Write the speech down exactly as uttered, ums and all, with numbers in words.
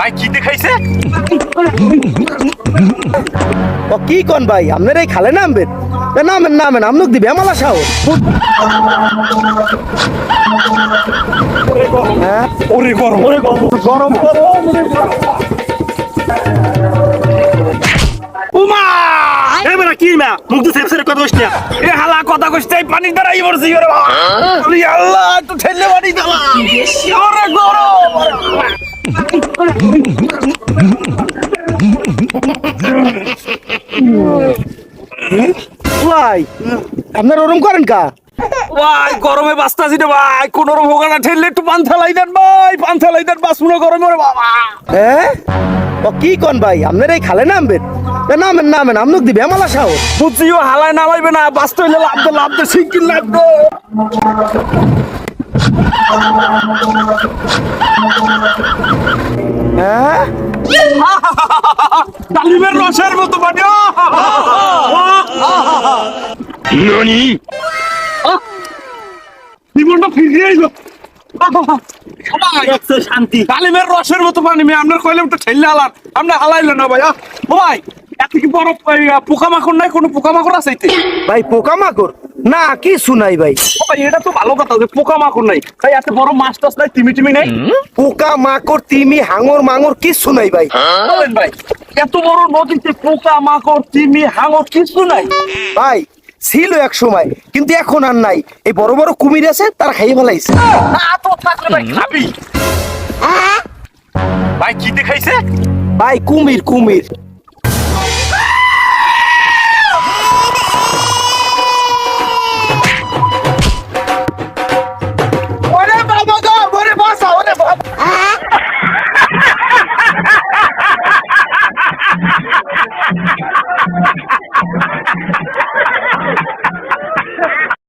ভাই কি দেখাইছে? ও কি কোন ভাই আপনার এই খালে নামবেন? এ নামেন নামেন আমনুক দিবে আমালা সাহস। হ্যাঁ ওরে গরম ওরে গরম গরম গরম উমা এবারে কি না মুখ তো সেপসের কথা কইছ না এ হালা কথা কইছ তাই পানি দাঁড়াই পড়ছি ওরে বাবা আরে আল্লাহ একটু ঠেলে পানি দাও ওরে গরম ভাই আপনার ওরম করেন কা? ভাই গরমে বাঁচতাছি রে ভাই কোন রকম হোগানা ঠেললে একটু পান থালাই দেন ভাই পান থালাই দেন বাস শুনো গরমে ওরে বাবা হ্যাঁ ও কি কোন ভাই আপনার এই খালে নামবেন? এ নামেন নামেন আমনুক দিবে আমালা সাহস। বুঝিও হালায় নামাইবে না বাঁচতে হইলে লাভ দে লাভ দে শিগগির লাভ দে হ্যাঁ ডালিমের রসের মতো পানি ননি জীবনটা ফিরে আইলো শান্তি ডালিমের রসের মতো পানি মেয়ে আপনার কইলে একটু ঠেললে হালান আপনি হালাইলো না ভাই আহ, ভাই এত কি বড় পোকামাকড় নাই কোনো পোকামাকড় আছে এতে? ভাই পোকামাকড় না কি শুনাই ভাই। ও ভাই এটা তো ভালো কথা যে পোকামাকড় নাই ভাই এত বড় মাছ টাছ নাই তিমি টিমি নাই পোকা মাকড় তিমি হাঙর মাঙর কিচ্ছু নাই ভাই। বলেন ভাই এত বড় নদীতে পোকা মাকড় তিমি হাঙর কিছু নাই ভাই ছিল এক সময় কিন্তু এখন আর নাই। এই বড় বড় কুমির আছে তার খাইয়ে ফেলাইছে। না তো থাকলে ভাই খাবি ভাই কি দেখাইছে ভাই কুমির কুমির